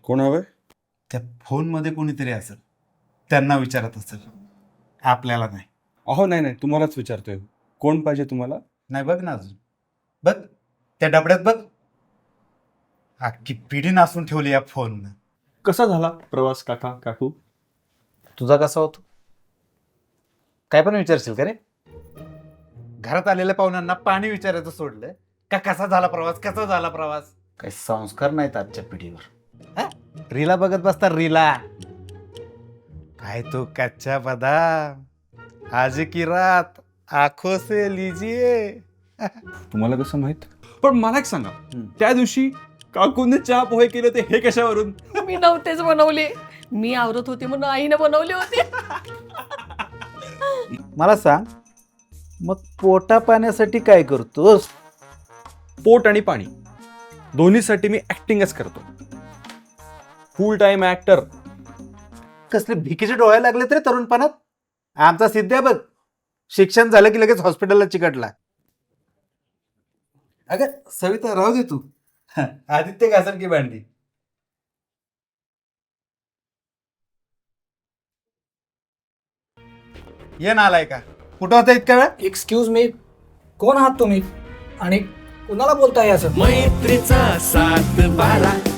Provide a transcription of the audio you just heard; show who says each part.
Speaker 1: कोण हवंय?
Speaker 2: त्या फोनमध्ये कोणीतरी असेल, त्यांना विचारत असेल, आपल्याला नाही.
Speaker 1: अहो नाही तुम्हालाच विचारतोय. कोण पाहिजे तुम्हाला?
Speaker 2: नाही बघ ना अजून, बघ त्या डबड्यात बघ, अख्खी पिढी नासून ठेवली या फोननं.
Speaker 1: कसा झाला प्रवास काका काकू?
Speaker 3: तुझा कसा होतो? काय पण विचारशील का रे?
Speaker 2: घरात आलेल्या पाहुण्यांना पाणी विचारायचं सोडलं का कसा झाला प्रवास, कसा झाला प्रवास?
Speaker 3: काही संस्कार नाहीत आजच्या पिढीवर.
Speaker 2: रीला बघत बसता रीला. काय तो कच्चा बदाम, आज की रात आंखों से लीजिए.
Speaker 1: तुम्हाला कसं माहित? पण मला एक सांगा, त्या दिवशी काकूने चहा पोहे केले ते हे कशावरून?
Speaker 4: मी नव्हतेच बनवले, मी आवरत होते म्हणून आईने बनवले होते.
Speaker 3: मला सांग, मग पोटा पाण्यासाठी काय करतोस?
Speaker 1: पोट आणि पाणी दोन्हीसाठी मी ऍक्टिंगच करतो. Full time actor.
Speaker 2: कसले भिकीचे डोळे लागले तरी तरुणपणात. आमचा सिद्ध्या बघ, शिक्षण झालं की लगेच हॉस्पिटलला चिकटला. अगं सविता राहू दे तू, आदित्य घासल की भांडी. ये ना आलाय का? कुठं होता इतका वेळ?
Speaker 5: एक्सक्यूज मी, कोण आहात तुम्ही आणि कुणाला बोलताय असं?
Speaker 6: मैत्रीचा सात बारा